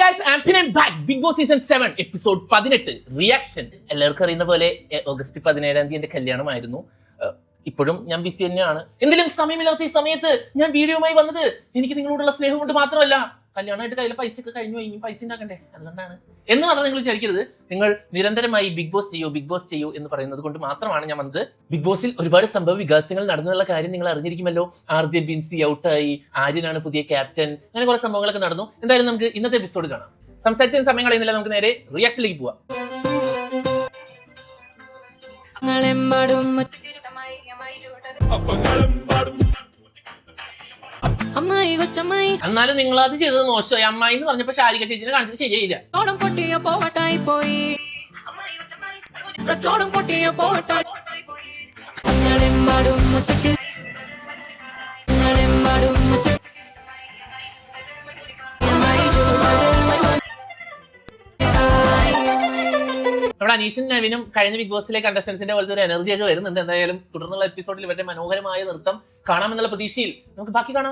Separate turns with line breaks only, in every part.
guys, I'm back. Big Boss Season 7 episode 18 reaction. എല്ലാവർക്കും അറിയുന്ന പോലെ ഓഗസ്റ്റ് 17 എന്റെ കല്യാണമായിരുന്നു. ഇപ്പോഴും ഞാൻ ബിസി തന്നെയാണ്. എന്തെങ്കിലും സമയമില്ലാത്ത ഈ സമയത്ത് ഞാൻ വീഡിയോയുമായി വന്നത് എനിക്ക് നിങ്ങളോടുള്ള സ്നേഹം കൊണ്ട് മാത്രമല്ല, കല്യാണമായിട്ട് കയ്യിലെ പൈസ ഒക്കെ കഴിഞ്ഞു, ഇനി പൈസ ഉണ്ടാക്കണ്ടേ, അതുകൊണ്ടാണ് എന്ന് മാത്രം നിങ്ങൾ വിചാരിക്കരുത്. നിങ്ങൾ നിരന്തരമായി ബിഗ് ബോസ് ചെയ്യൂ എന്ന് പറയുന്നത് കൊണ്ട് മാത്രമാണ് ഞാൻ വന്നത്. ബിഗ് ബോസിൽ ഒരുപാട് സംഭവ വികാസങ്ങൾ നടന്നുള്ള കാര്യം നിങ്ങൾ അറിഞ്ഞിരിക്കുമല്ലോ. RJ ബിൻസി ഔട്ടായി, ആര്യനാണ് പുതിയ ക്യാപ്റ്റൻ, അങ്ങനെ കുറെ സംഭവങ്ങളൊക്കെ നടന്നു. എന്തായാലും നമുക്ക് ഇന്നത്തെ എപ്പിസോഡ് കാണാം. സംസാരിച്ച സമയം കളയുന്നില്ല, നമുക്ക് നേരെ റിയാക്ഷനിലേക്ക് പോവാം. എന്നാലും നിങ്ങൾ അത് ചെയ്തത് മോശമായി. അമ്മായി എന്ന് പറഞ്ഞപ്പോ ശാരിക ചേച്ചിനെ കാണിച്ചത് ശരിയായില്ല. നമ്മുടെ അനീഷും നവീനും കഴിഞ്ഞ ബിഗ് ബോസിലെ കണ്ടസ്റ്റൻസിന്റെ പോലത്തെ ഒരു എനർജി ഒക്കെ വരുന്നുണ്ട്. എന്തായാലും തുടർന്നുള്ള എപ്പിസോഡിൽ ഇവരുടെ മനോഹരമായ നൃത്തം കാണാമെന്നുള്ള പ്രതീക്ഷയിൽ നമുക്ക് ബാക്കി കാണാം.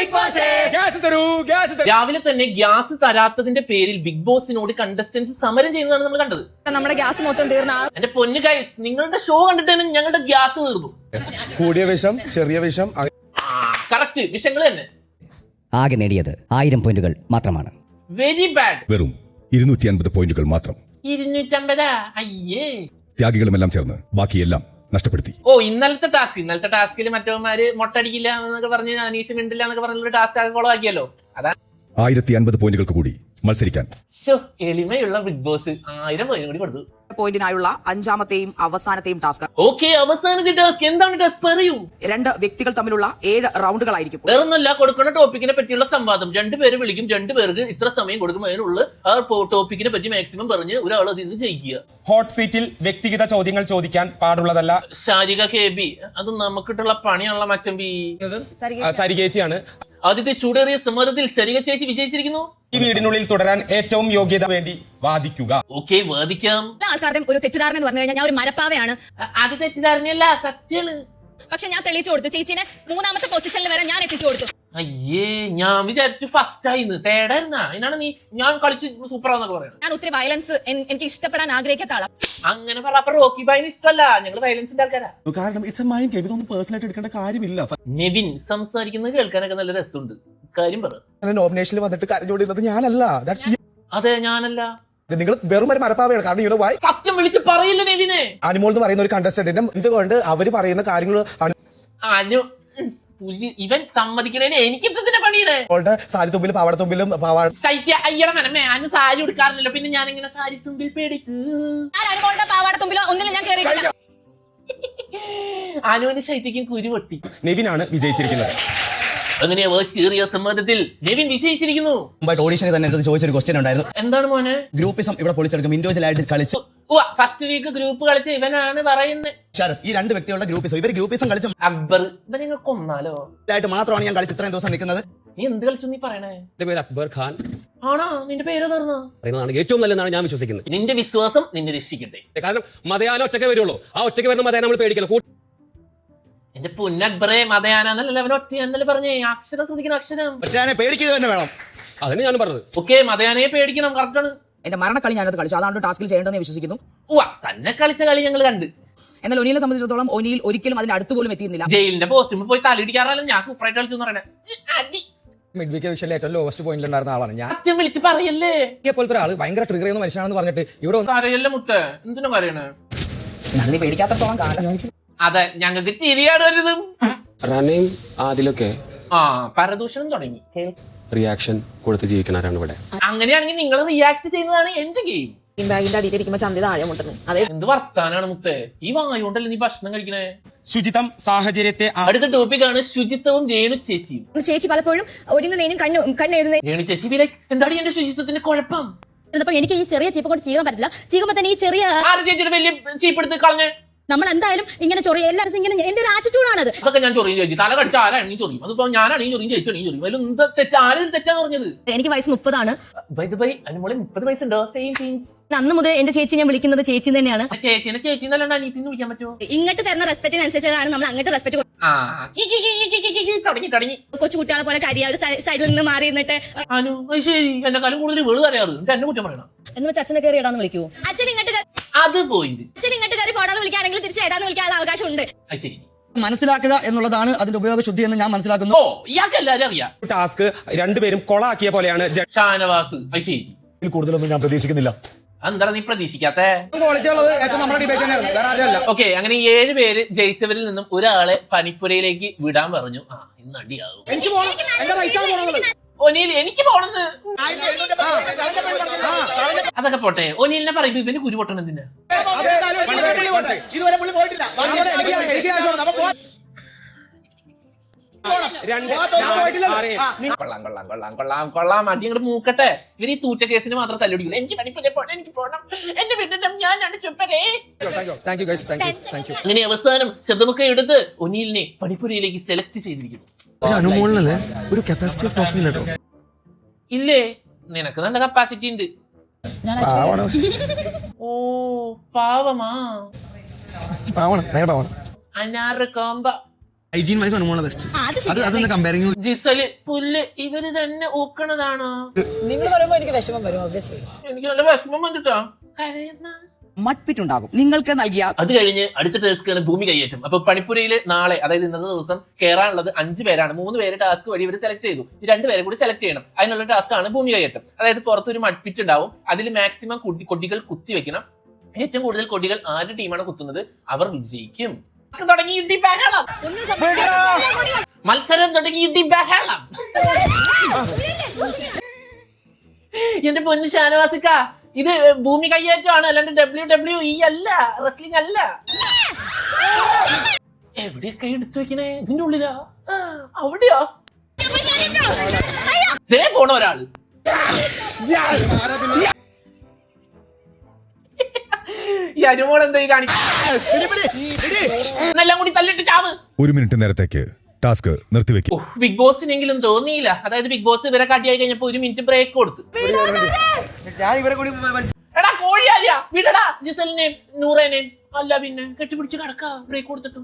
രാവിലെ തന്നെ ഗ്യാസ് തരാത്തതിന്റെ പേരിൽ ബിഗ് ബോസിനോട് കണ്ടസ്റ്റൻസ് സമരം ചെയ്യുന്നതാണ് നമ്മൾ കണ്ടത്.
നമ്മുടെ ഗ്യാസ് മൊത്തം തീർന്ന
എന്റെ പൊന്നു ഗൈസ്, നിങ്ങളുടെ ഷോ കണ്ടിട്ട് തന്നെ ഞങ്ങളുടെ ഗ്യാസ് തീർന്നു.
കൂടിയ വിഷം, ചെറിയ വിഷം,
കറക്റ്റ് വിഷയങ്ങൾ തന്നെ.
ആകെ നേടിയത് 1000 പോയിന്റുകൾ മാത്രമാണ്.
Very bad.
വെറും 250 പോയിന്റുകൾ മാത്രം.
250? അയ്യേ.
ത്യാഗികളുമെല്ലാം ചേർന്ന് ബാക്കിയെല്ലാം നഷ്ടപ്പെടുത്തി.
ഇന്നലത്തെ ടാസ്കിൽ മറ്റവന്മാര് മൊട്ടടിക്കില്ല എന്നൊക്കെ പറഞ്ഞ് അനീഷ് മിണ്ടില്ല എന്നൊക്കെ പറഞ്ഞൊരു ടാസ്ക് ആകെ കൊളവാക്കിയല്ലോ. അതാ
1050 പോയിന്റുകൾക്ക് കൂടി മത്സരിക്കാൻ.
എളിമയുള്ള ബിഗ് ബോസ് 1000 പോയിന്റ് കൂടി കൊടുത്തു.
പോയിന്റിനായുള്ള 5ാമത്തെയും അവസാനത്തെയും ടാസ്ക്.
ഓക്കെ, അവസാനത്തെ ടാസ്ക് എന്താണ്? ടാസ്ക് പറയൂ.
2 വ്യക്തികൾ തമ്മിലുള്ള 7 റൗണ്ടുകളായിരിക്കും.
വേറൊന്നല്ല, കൊടുക്കുന്ന ടോപ്പിക്കിനെ പറ്റിയുള്ള സംവാദം. 2 പേര് വിളിക്കും, 2 പേർക്ക് ഇത്ര സമയം കൊടുക്കും, അതിനുള്ള ആ ടോപ്പിക്കിനെ പറ്റി മാക്സിമം പറഞ്ഞ് ഒരാൾ അതിൽ നിന്ന് ജയിക്കുക.
ഹോട്ട് സീറ്റിൽ വ്യക്തിഗത ചോദ്യങ്ങൾ ചോദിക്കാൻ പാടുള്ളതല്ല.
ശാരിക KB, അത് നമുക്കിട്ടുള്ള പണിയാണല്ലോ മച്ചമ്പി.
സരികേച്ചിയാണ്.
ആദ്യത്തെ ചൂടേറിയ സമ്മർദ്ദത്തിൽ ശാരിക ചേച്ചി വിജയിച്ചിരിക്കുന്നു.
ഈ വീടിനുള്ളിൽ തുടരാൻ ഏറ്റവും യോഗ്യത വേണ്ടി വാദിക്കുക.
ഓക്കെ, വാദിക്കാം.
ആൾക്കാരുടെ ഒരു തെറ്റിദ്ധാരണ എന്ന് പറഞ്ഞു കഴിഞ്ഞാൽ ഞാൻ ഒരു മരപ്പാവയാണ്.
അത് തെറ്റിദ്ധാരണയല്ല, സത്യമാണ്.
പക്ഷെ ഞാൻ തെളിയിച്ചു കൊടുത്തു. ചേച്ചിനെ 3ാമത്തെ പൊസിഷനിൽ വരെ ഞാൻ എത്തിച്ചു കൊടുത്തു.
അയ്യേ, ഞാൻ വിചാരിച്ചു ഫസ്റ്റ് ആയിന്ന്, തേടായിരുന്ന. അതിനാണ് ഞാൻ കളിച്ച് സൂപ്പറാന്നൊക്കെ പറയുന്നത്.
ഞാൻ ഒത്തിരി വയലൻസ് എനിക്ക് ഇഷ്ടപ്പെടാൻ ആഗ്രഹിക്കാത്ത ആളാ.
അങ്ങനെ പറ. റോക്കി ബൈന് ഇഷ്ടമല്ല, ഞങ്ങള് വയലൻസിന്റെ ആൾക്കാരാ.
കാരണം ഇറ്റ്സ് എ മൈൻഡ് ഗെയിം, ഇതൊന്നും പേഴ്സണലായിട്ട് എടുക്കേണ്ട കാര്യമില്ല.
നെവിൻ സംസാരിക്കുന്നത് കേൾക്കാനൊക്കെ നല്ല രസമുണ്ട്. കാര്യം പറ.
നോമിനേഷനിൽ വന്നിട്ട് കരഞ്ഞോണ്ടിരുന്നത് ഞാനല്ല.
അതെ, ഞാനല്ല.
നിങ്ങൾ വെറും ഒരു മരപ്പാവയാണ്. കാരണം
സത്യം വിളിച്ച് പറയില്ല നെവിനെ.
അനിമോൾ എന്ന് പറയുന്ന ഒരു കണ്ടസ്റ്റന്റിന്റെ എന്തുകൊണ്ട് അവര് പറയുന്ന കാര്യങ്ങൾ
ഇവൻ സമ്മതിക്കണേന് എനിക്ക് പണിയണേ.
സാരി തുമ്പിലും പാവാടത്തുമ്പിലും
ശൈത്യ അയ്യട മനമേ, അനു സാരി ഉടുക്കാറില്ലല്ലോ, പിന്നെ ഞാൻ ഇങ്ങനെ സാരി തുമ്പിൽ പേടിച്ചു.
പാവാടത്തുമ്പിലോ ഒന്നിലും ഞാൻ കേറിയിട്ടില്ല.
അനുവിന് ശൈത്യക്കും കുരു പൊട്ടി.
നെവിനാണ് വിജയിച്ചിരിക്കുന്നത്.
അങ്ങനെയാ സീറിയസ് സമ്മർദ്ദത്തിൽ നെവിൻ വിജയിച്ചിരിക്കുന്നു.
ഓഡീഷനിൽ തന്നെ ചോദിച്ചൊരു ക്വസ്റ്റ്യൻ ഉണ്ടായിരുന്നു.
എന്താണ് മോനെ?
ഗ്രൂപ്പിസം ഇവിടെ പൊളിച്ചെടുക്കും, ഇൻഡിവിജ്വൽ ആയിട്ട് കളിച്ചു.
ഫസ്റ്റ് വീക്ക് ഗ്രൂപ്പ് കളിച്ച ഇവനാണ് പറയുന്നത്.
ഈ 2 വ്യക്തികളുടെ ഗ്രൂപ്പിസം, ഇവർ ഗ്രൂപ്പിസം കളിച്ച
അക്ബർ. ഇവനെ നിങ്ങൾ കൊന്നാലോ
ആയിട്ട് മാത്രമാണ് ഞാൻ കളിച്ച് ഇത്രയും ദിവസം നിൽക്കുന്നത്.
നീ എന്ത് കളിച്ചു നീ പറയണേ?
എന്റെ പേര് അക്ബർ ഖാൻ
ആണോ? നിന്റെ പേര്
പറയുന്നതാണ് ഏറ്റവും നല്ലതെന്നാണ് ഞാൻ വിശ്വസിക്കുന്നത്.
നിന്റെ വിശ്വാസം നിന്നെ രക്ഷിക്കട്ടെ.
കാരണം മതയാന ഒറ്റയ്ക്ക് വരുള്ളൂ. ആ ഒറ്റയ്ക്ക് വരുന്ന മതയാന നമ്മൾ പേടിക്കണം.
എന്റെ പൊന്നക്ബറെ, മതയാനല്ല അവൻ ഒറ്റയാനല്ലേ പറഞ്ഞേ. അക്ഷരം ശ്രദ്ധിക്കണം, അക്ഷരം
പേടിക്കുക തന്നെ വേണം.
അതന്നെ ഞാൻ പറഞ്ഞത്.
ഓക്കെ, മതയാനയെ പേടിക്കണം, കറക്റ്റാണ്.
എന്റെ മരണക്കളി ഞാനത് കളിച്ചു, അതാണ് ടാസ്കിൽ ചെയ്യേണ്ടതെന്ന് വിശ്വസിക്കുന്നു.
തന്നെ കളിച്ച കളി ഞങ്ങൾ കണ്ട്.
എന്നാൽ ഒനിയിലെ സംബന്ധിച്ചിടത്തോളം ഒനിയിൽ ഒരിക്കലും അതിന്റെ അടുത്ത് പോലും എത്തിയിരുന്നില്ല.
ജയിലിന്റെ പോസ്റ്റുമ്പോൾ പോയി തലയിടിക്കാറല്ല, ഞാൻ സൂപ്പറായിട്ട് കളിച്ചു എന്ന് പറയണേ.
മിഡ് വീക്ക് വിഷയം ഏറ്റവും ലോവസ്റ്റ് പോയിന്റിൽ ഉണ്ടായിരുന്ന ആളാണ് ഞാൻ.
സത്യം വിളിച്ച് പറയല്ലേ.
പോലത്തെ ആള് ഭയങ്കര ട്രിഗർ ചെയ്യുന്ന മനുഷ്യനാണെന്ന് പറഞ്ഞിട്ട് ഇവിടെ
പറയല്ലേ മുത്ത, എന്തിനാ പറയണേ?
നന്ദി പേടിക്കാത്തത്തോളം കാലം.
അതെ, ഞങ്ങൾക്ക് ചിരിയാണ് വരുന്നത്.
റനയും ആദിലൊക്കെ
പരദൂഷണം തുടങ്ങി.
റിയാക്ഷൻ കൊടുത്ത് ജീവിക്കണവരാണ് ഇവിടെ.
അങ്ങനെയാണെങ്കിൽ നിങ്ങൾ റിയാക്ട് ചെയ്യുന്നതാണ് എന്റെ ഗെയിം.
ബാഗിന്റെ അടിയിലിരിക്കുമ്പോ ചന്തി താഴെ മുട്ടുന്നു. അതെ,
എന്ത് വർത്താനാണ് മുത്തേ, ഈ വായുകൊണ്ടല്ലേ നീ ഭക്ഷണം കഴിക്കണേ.
ശുചിത്വം സാഹചര്യത്തെ.
അടുത്ത ടോപ്പിക്കാണ് ശുചിത്വവും രേണു ചേച്ചിയും.
ചേച്ചി പലപ്പോഴും ഒരുങ്ങുന്നതിനും കണ്ണെഴുതുന്നതിനും.
രേണു ചേച്ചി ബി ലൈക്ക്, എന്താണ് എന്റെ ശുചിത്വത്തിന്റെ കുഴപ്പം?
എനിക്ക് ഈ ചെറിയ ചീപ്പ് കൊണ്ട് ചെയ്യാൻ പറ്റില്ല. ചെയ്യുമ്പോ തന്നെ ഈ ചെറിയ
ചേച്ചിയുടെ വലിയ ചീപ്പെടുത്ത് കളഞ്ഞേ.
നമ്മൾ എന്തായാലും ഇങ്ങനെ ചൊറിയ എല്ലാവരും ഇങ്ങനെ എന്റെ ഒരു ആറ്റിറ്റ്യൂഡാണത്.
അതൊക്കെ ഞാൻ ചൊറിയും ചേച്ചി. തല കടിച്ച ആരാണെങ്കിൽ ചൊറിയും. അതിപ്പോ ഞാനാണെങ്കിൽ ചൊറിയും, ചേച്ചിയാണെങ്കിൽ ചൊറിയും. അതിൽ എന്താ തെറ്റാ? ആരും തെറ്റാന്ന് പറഞ്ഞത്?
എനിക്ക് വയസ്സ് 30
അനുമോളെ 30 വയസ്സുണ്ടോ? Same things.
അന്ന് മുതൽ എന്റെ ചേച്ചി ഞാൻ വിളിക്കുന്നത് ചേച്ചി തന്നെയാണ്.
ചേച്ചിനെ ചേച്ചി എന്നല്ലാണ്ട് അനിയത്തിന്ന് വിളിക്കാൻ പറ്റുമോ?
ഇങ്ങോട്ട് തരുന്ന റെസ്പെക്റ്റിനനുസരിച്ചാണ് നമ്മൾ അങ്ങോട്ട് റെസ്പെക്ട്
തുടങ്ങി
കൊച്ചു കുട്ടികളെ പോലെ കരിയ ഒരു സൈഡിൽ നിന്ന് മാറി നിന്നിട്ട്
അനു അത് ശരി. എന്നെ കാലം കൂടുതൽ വെളു അറിയാറ്. എന്നെ കുറ്റം പറയണം.
എന്ന് വെച്ച് അച്ഛനെ കയറി ഇടാന്ന് വിളിക്കൂ.
അച്ഛൻ ഇങ്ങോട്ട്
അത് പോയിന്റ്.
കയറി പോടാന്ന് വിളിക്കുകയാണെങ്കിൽ തിരിച്ച് ഇടാന്ന് വിളിക്കാനുള്ള അവകാശം ഉണ്ട്.
അത് ശരി.
മനസ്സിലാക്കുക എന്നുള്ളതാണ് അതിന്റെ ഉപയോഗശുദ്ധി എന്ന് ഞാൻ മനസ്സിലാക്കുന്നു.
ഓ ഇയാൾക്ക് എല്ലാവരും അറിയാം.
ടാസ്ക് രണ്ടുപേരും കൊളാക്കിയ പോലെയാണ്
ഷാനവാസ്. അത് ശരി.
കൂടുതലൊന്നും ഞാൻ പ്രതീക്ഷിക്കുന്നില്ല.
എന്താണ് നീ പ്രതീക്ഷിക്കാത്ത?
ക്വാളിറ്റി ഉള്ളത് ഏറ്റവും നമ്മുടെ ഡിബേറ്റ് തന്നെയായിരുന്നു, വേറെ ആരും അല്ല.
ഓക്കെ, അങ്ങനെ 7 പേര് ജയിച്ചവരിൽ നിന്നും ഒരാളെ പനിപ്പുരയിലേക്ക് വിടാൻ പറഞ്ഞു. ഇന്ന് അടിയാകും.
എനിക്ക് പോകണം, എന്റെ റൈറ്റാണ് പോകണമെന്നുള്ളത്.
ഒനീൽ എനിക്ക് പോണെന്ന്. അതൊക്കെ പോട്ടെ. ഒനീലിനെ പറയുമ്പോ ഇവന് കുരു പൊട്ടണം എന്തിനാ?
ഇതുവരെ പുള്ളി പോയിട്ടില്ല. എനിക്ക്
കൊള്ളാം. അടി അങ്ങോട്ട് മൂക്കട്ടെ. ഇവര് ഈ തൂറ്റ കേസിന് മാത്രം തല്ലുടിക്കില്ല. എനിക്ക് പണിപ്പുര പോണം, എനിക്ക് പോണം, എന്റെ വീട്ടിൽ ഞാനാണ് ചുപ്പരേ.
Thank you guys, thank you.
അങ്ങനെ അവസാനം ശബ്ദമൊക്കെ എടുത്ത് ഒനീലിനെ പണിപ്പുരയിലേക്ക് സെലക്ട് ചെയ്തിരിക്കുന്നു.
അനുമോളിനല്ലേ ഒരു കപ്പാസിറ്റി ഓഫ് ടോക്കിംഗ് കേട്ടോ.
ഇല്ലേ, നിനക്ക് നല്ല കപ്പാസിറ്റി ഉണ്ട്. ഓ പാവമാ. അനാറ് കോമ്പ.
ഹൈജീൻ വൈസ് അനുമോളാണ് ബെസ്റ്റ്. അതൊന്ന് കമ്പയറിംഗ്.
ജിസല് പുല്ല് ഇവര് തന്നെ ഊക്കണതാണോ?
നിങ്ങൾ പറയുമ്പോ എനിക്ക് വിഷമം വരും. ഒബ്വിയസ്ലി
എനിക്ക് നല്ല വിഷമം വന്നിട്ടാ.
മട്പിട്ടുണ്ടാകും നിങ്ങൾക്ക് നൽകിയ.
അത് കഴിഞ്ഞ് അടുത്ത ടാസ്ക്കാണ് ഭൂമി കയ്യേറ്റം. അപ്പൊ പണിപ്പുരയില് നാളെ, അതായത് ഇന്നത്തെ ദിവസം കയറാനുള്ളത് 5 പേരാണ്. 3 പേര് ടാസ്ക് വഴി ഇവർ സെലക്ട് ചെയ്തു. ഈ 2 പേരെ കൂടി സെലക്ട് ചെയ്യണം. അതിനുള്ള ടാസ്ക് ആണ് ഭൂമി കയ്യേറ്റം. അതായത് പുറത്തൊരു മഡ്പിറ്റ് ഉണ്ടാവും. അതിൽ മാക്സിമം കൊടികൾ കുത്തി വെക്കണം. ഏറ്റവും കൂടുതൽ കൊടികൾ ആരുടെ ടീമാണ് കുത്തുന്നത് അവർ വിജയിക്കും. തുടങ്ങി ഇടി ബഹളം. മത്സരം തുടങ്ങി ഇടി ബഹളം. എന്റെ പൊന്നു ഷാനവാസിക്ക, ഇത് ഭൂമി കയ്യേറ്റമാണ്, അല്ലാണ്ട് WWE അല്ല, റെസ്ലിംഗ് അല്ല. എവിടെയൊക്കെ എടുത്തു വെക്കണേ? ഇതിന്റെ ഉള്ളിലാ? അവിടെയോ? ദേ പോണ ഒരാള്. ഈ അനുമോൾ എന്താ കാണിക്കെല്ലാം കൂടി തല്ലിട്ട് ചാവ്.
1 മിനിറ്റ് നേരത്തേക്ക് ടാസ്ക് നിർത്തിവെക്കും.
ബിഗ് ബോസിനെങ്കിലും തോന്നിയില്ല. അതായത് ബിഗ് ബോസ് ഇവരെ കടിയായി കഴിഞ്ഞപ്പോ 1 മിനിറ്റ് ബ്രേക്ക് കൊടുത്തു. എടാ കോഴിയാലിയ വിടടാ ജിസലിനെയും നൂറേനെയും. അല്ല പിന്നെ കെട്ടിപ്പിടിച്ച് കിടക്കാ ബ്രേക്ക് കൊടുത്തിട്ടും.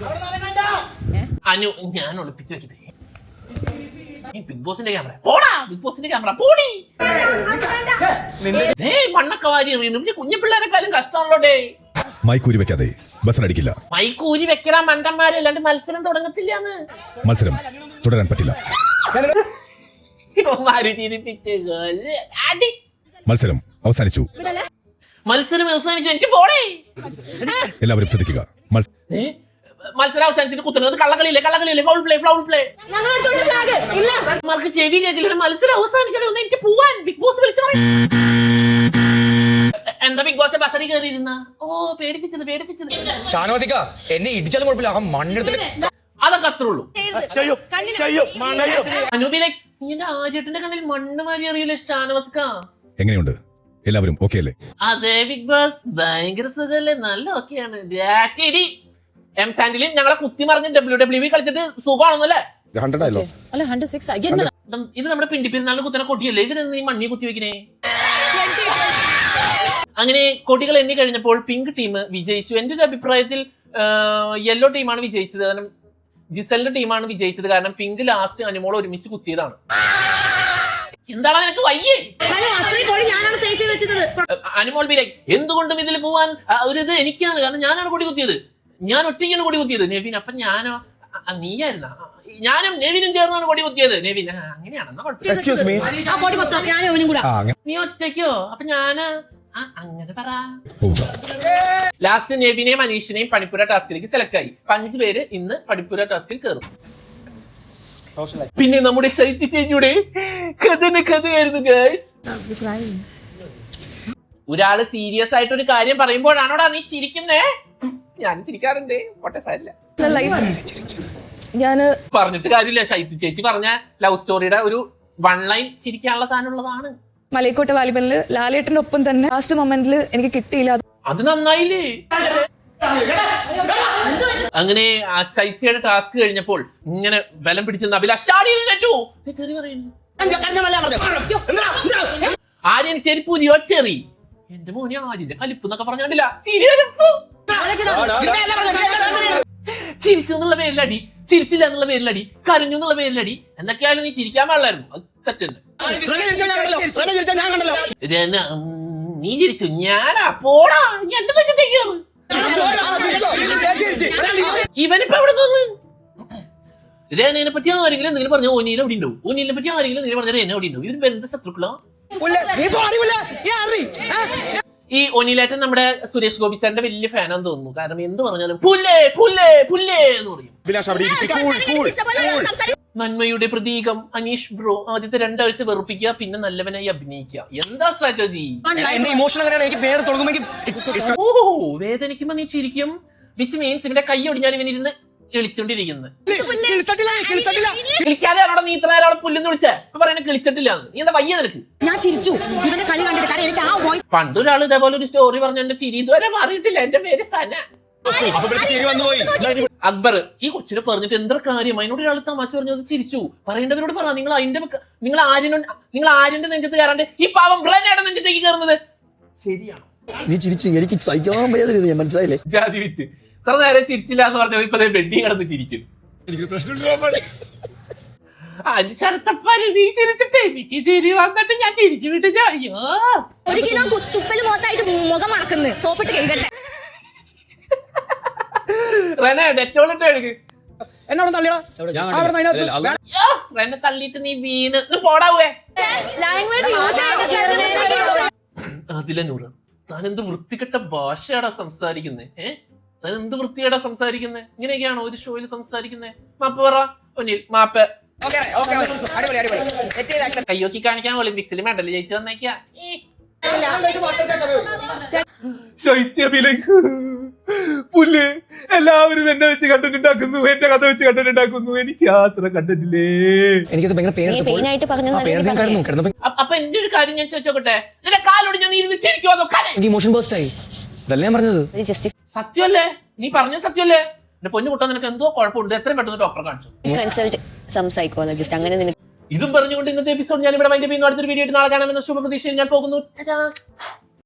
അനു ഞാൻ ഒളിപ്പിച്ചു വെക്കട്ടെ. ബിഗ് ബോസിന്റെ ക്യാമറ പോടാ. ബിഗ് ബോസിന്റെ ക്യാമറ പോടി. മണ്ണൊക്കെ വാരി വീണു. കുഞ്ഞു പിള്ളേരെക്കാളും കഷ്ടമാണല്ലോ ഡേ.
മൈക്കൂരി വെക്കാതെ ബസ്സിനടിക്കില്ല.
മൈക്കൂരി വെക്കലാ മണ്ടന്മാര്, അല്ലാണ്ട് മത്സരം തുടങ്ങത്തില്ലാന്ന്.
മത്സരം തുടരാൻ പറ്റില്ല. മത്സരം അവസാനിച്ചു.
എനിക്ക് പോടേ.
എല്ലാവരും ശ്രദ്ധിക്കുക.
മത്സരം അവസാനിച്ചിട്ട് കുത്തുന്നത് കള്ളക്കളിയില്ലേ? Foul play. മാർക്ക് ചെവി കേൾക്കില്ല. മത്സരം അവസാനിച്ചിട്ട് ഒന്ന് എനിക്ക് പോവാൻ. ബിഗ് ബോസ് വിളിച്ചു എന്താ ബിഗ് ബോസ് ബസറി കയറിയിരുന്ന? ഓ പേടിപ്പിച്ചത്.
ഷാനവാസിക്ക എന്നെ ഇടിച്ചാലും കുഴപ്പമില്ല. ആ മണ്ണെടുത്തിട്ട്
അതൊക്കെ അത്രേ ഉള്ളൂ. അനൂപിലെ ഇങ്ങനെ ആചേട്ടന്റെ കണ്ണിൽ മണ്ണ് മാറി അറിയില്ല ഷാനവാസിക്ക.
എങ്ങനെയുണ്ട്? എല്ലാവരും ഓക്കെ അല്ലേ?
അതെ ബിഗ് ബോസ് ഭയങ്കര സുഖല്ലേ? നല്ല ഓക്കെയാണ്. എം സാൻഡിലും ഞങ്ങളെ കുത്തി മറിഞ്ഞ് WWE കളിച്ചിട്ട് സുഖമാണെന്നല്ലേ? ഇത് നമ്മുടെ പിണ്ടിപ്പെരുന്നാളിന് കുത്തനെ കൊടിയല്ലേ? ഇവരെന്ന് ഈ മണ്ണി കുത്തി വെക്കണേ. അങ്ങനെ കൊടികൾ എണ്ണി കഴിഞ്ഞപ്പോൾ പിങ്ക് ടീം വിജയിച്ചു. എന്റെ ഒരു അഭിപ്രായത്തിൽ യെല്ലോ ടീമാണ് വിജയിച്ചത്. കാരണം ജിസലിന്റെ ടീമാണ് വിജയിച്ചത്. കാരണം പിങ്ക് ലാസ്റ്റ് അനുമോൾ ഒരുമിച്ച് കുത്തിയതാണ്. എന്താണ് നിനക്ക് വയ്യേ? അനുമോൾ ബി ലൈക്ക് എന്തുകൊണ്ടും ഇതിൽ പോവാൻ ഒരു ഇത് എനിക്കാണ്. കാരണം ഞാനാണ് കൊടി കുത്തിയത്. ഞാൻ ഒറ്റയ്ക്കാണ് കൊടി കുത്തിയത്. നെവിൻ അപ്പൊ ഞാനോ? നീയായിരുന്ന? ഞാനും നെവിനും ചേർന്നാണ് കൊടി കുത്തിയത്. നെവിൻ അങ്ങനെയാണെന്നാ കുഴപ്പമില്ല. നീ ഒറ്റയ്ക്കോ? അപ്പൊ ഞാന് അങ്ങനെ പറ. ലാസ്റ്റ് നെവിനെയും അനീഷിനെയും പണിപ്പുര ടാസ്കിലേക്ക് സെലക്ട് ആയി. 5 പേര് ഇന്ന് പണിപ്പുര ടാസ്കിൽ കയറും. പിന്നെ നമ്മുടെ ശൈത്യ ചേച്ചിയുടെ കഥയായിരുന്നു ഗൈസ്. ഒരാള് സീരിയസ് ആയിട്ട് ഒരു കാര്യം പറയുമ്പോഴാണോടാ നീ ചിരിക്കുന്നേ? ഞാൻ ചിരിക്കാറുണ്ട്. പറഞ്ഞിട്ട് കാര്യമില്ല. ശൈത്യ ചേച്ചി പറഞ്ഞ ലവ് സ്റ്റോറിയുടെ ഒരു 1 ലൈൻ ചിരിക്കാനുള്ള സാധനം ഉള്ളതാണ്.
മലൈക്കോട്ട വാലിബലില് ലാലേട്ടന്റെ ഒപ്പം തന്നെ ലാസ്റ്റ് മൊമെന്റിൽ എനിക്ക് കിട്ടിയില്ല.
അത് നന്നായില്ലേ? അങ്ങനെ ആ ശൈത്യയുടെ ടാസ്ക് കഴിഞ്ഞപ്പോൾ ഇങ്ങനെ ബലം പിടിച്ചെന്ന് അഭിലാഷ് ആര്യൻ ചെരിപ്പൂതി ഒറ്റേറി. എന്റെ മോനെ ആര്യന്റെ കലിപ്പ് എന്നൊക്കെ പറഞ്ഞില്ല, ചിരിച്ചു എന്നുള്ള പേരിലടി, ചിരിച്ചില്ല എന്നുള്ള പേരിലടി, കരഞ്ഞു എന്നുള്ള പേരിലടി. എന്തൊക്കെയായാലും നീ ചിരിക്കാൻ പാടില്ലായിരുന്നു, അത് തെറ്റുണ്ട്. നീ ചിരിച്ചു, ഞാനാ പോടാ, ഇവനിപ്പോ എവിടെ നിന്ന്? രേനയെ പറ്റി ആരെങ്കിലും എന്തെങ്കിലും പറഞ്ഞ ഓനിയിൽ എവിടെ ഉണ്ടാവും? ഓനിയിലെ പറ്റി ആരെങ്കിലും എന്തെങ്കിലും പറഞ്ഞ രേന എവിടെ ഉണ്ടാവും? ഇവര് ബന്ധ ശത്രുക്കളോ? ഈ ഒനിലേട്ടൻ നമ്മുടെ സുരേഷ് ഗോപി സാറിന്റെ വലിയ ഫാനാന്ന് തോന്നുന്നു. കാരണം എന്ത് പറഞ്ഞാലും പുല്ലേ പുല്ലേ പുല്ലേ എന്ന് പറയും. നന്മയുടെ പ്രതീകം അനീഷ് ബ്രോ. ആദ്യത്തെ 2 ആഴ്ച വെറുപ്പിക്കുക, പിന്നെ നല്ലവനായി അഭിനയിക്കുക. എന്താ സ്ട്രാറ്റജി? ഓ, വേദനിക്കുമ്പോ നീ ചിരിക്കും, വിച്ച് മീൻസ് ഇവന്റെ കൈ ഒടിഞ്ഞാൽ ഇവനിരുന്ന് കിളിച്ചോണ്ടിരിക്കുന്നത്. കിളിക്കാതെയാണോ നീ ഇത്ര നേരം പുല്ലെന്ന് വിളിച്ചേ? ഇപ്പൊ പറയുന്നത് കിളിച്ചിട്ടില്ല. നീ എന്താ വയ്യ നിനക്ക്?
ഞാൻ ചിരിച്ചു ഇവന്റെ കളി കണ്ടിട്ട്. കാരണം എനിക്ക് ആ വോയിസ്
പണ്ടൊരാൾ ഇതേപോലെ ഒരു സ്റ്റോറി പറഞ്ഞു, എന്റെ ചിരി ഇതുവരെ മാറിയിട്ടില്ല. എന്റെ പേര് സന. അക്ബർ ഈ കൊച്ചിനെ പറഞ്ഞിട്ട് എന്താ കാര്യം? അതിനോട് ഒരാൾ തമാശ പറഞ്ഞത് ചിരിച്ചു. പറയേണ്ടവരോട് പറ, നിങ്ങൾ ആര്യന്റെ നെഞ്ചത്ത് കയറാണ്ട് ഈ പാവം ബ്രേനയുടെ നെഞ്ചത്തേക്ക് കയറുന്നത് ശരിയാണോ?
നീ ചിരിച്ചു, എനിക്ക് സഹിക്കാൻ വയ്യാതിരുന്നു, ഞാൻ മനസ്സിലായില്ലേ?
ജാതി വിറ്റ് ഇത്ര നേരം ചിരിച്ചില്ല എന്ന് പറഞ്ഞ ഇപ്പൊ ബെഡി കിടന്ന് ചിരിക്കും. ശരത്തപ്പാര് നീ ചിരിച്ചിട്ടേ എനിക്ക് ചിരി വന്നിട്ട് ഞാൻ ചിരിച്ചു വിട്ട്. അയ്യോ,
1 കിലോ തുപ്പല് മൊത്തമായിട്ട് മുഖം മണക്കുന്നു, സോപ്പിട്ട് കഴിക്കട്ടെ.
റെനെ ഡെറ്റോളിട്ട് എടുക്ക്.
എന്നോട് തള്ളിയടാ.
റെനെ തള്ളിയിട്ട് നീ വീണ് പോടാവേ. അതിലെ നൂറ്, താൻ എന്ത് വൃത്തികെട്ട ഭാഷയാടാ സംസാരിക്കുന്നേ? താൻ എന്ത് വൃത്തികേടാ സംസാരിക്കുന്നേ? ഇങ്ങനെയൊക്കെയാണോ ഒരു ഷോയിൽ സംസാരിക്കുന്നേ? മാപ്പ് പറ ഒന്നിൽ, മാപ്പ്. കയ്യോക്കി കാണിക്കാൻ ഒളിമ്പിക്സിൽ മെഡൽ ജയിച്ചു വന്നേക്കാ. ശൈത്യഭിലേക്ക് പുല്ല് എല്ലാവരും എന്നെ വെച്ച് കണ്ടന്റ് ഉണ്ടാക്കുന്നു, എന്റെ കഥ വെച്ച് കണ്ടന്റ് ഉണ്ടാക്കുന്നു. എനിക്ക് യാത്ര കണ്ടിട്ടില്ലേ?
എനിക്കത് ഭയങ്കര
അപ്പൊ എന്റെ ഒരു കാര്യം ഞാൻ ചോദിച്ചോട്ടെ, നിന്റെ കാലോട് ഞാൻ ഇരുന്ന് ചിരിക്കുമോ?
ഇമോഷൻ ബേസ്റ്റ് ആയി. ഇതല്ലേ ഞാൻ പറഞ്ഞത്.
സത്യമല്ലേ നീ പറഞ്ഞ? സത്യമല്ലേ? എന്റെ പൊന്നു കുട്ടാ, നിനക്ക് എന്തോ കുഴപ്പമുണ്ട്, എത്രയും പെട്ടെന്ന് ഡോക്ടറെ കാണിച്ചു.
സൈക്കോളജിസ്റ്റ് അങ്ങനെ
ഇതും പറഞ്ഞുകൊണ്ട് ഇന്നത്തെ എപ്പിസോഡ് ഞാൻ ഇവിടെ വൈൻഡപ്പ് ചെയ്യുന്നു. അടുത്തൊരു വീഡിയോ ആയിട്ട് നാളെ കാണാമെന്ന ശുഭപ്രതീക്ഷയിൽ ഞാൻ പോകുന്നു.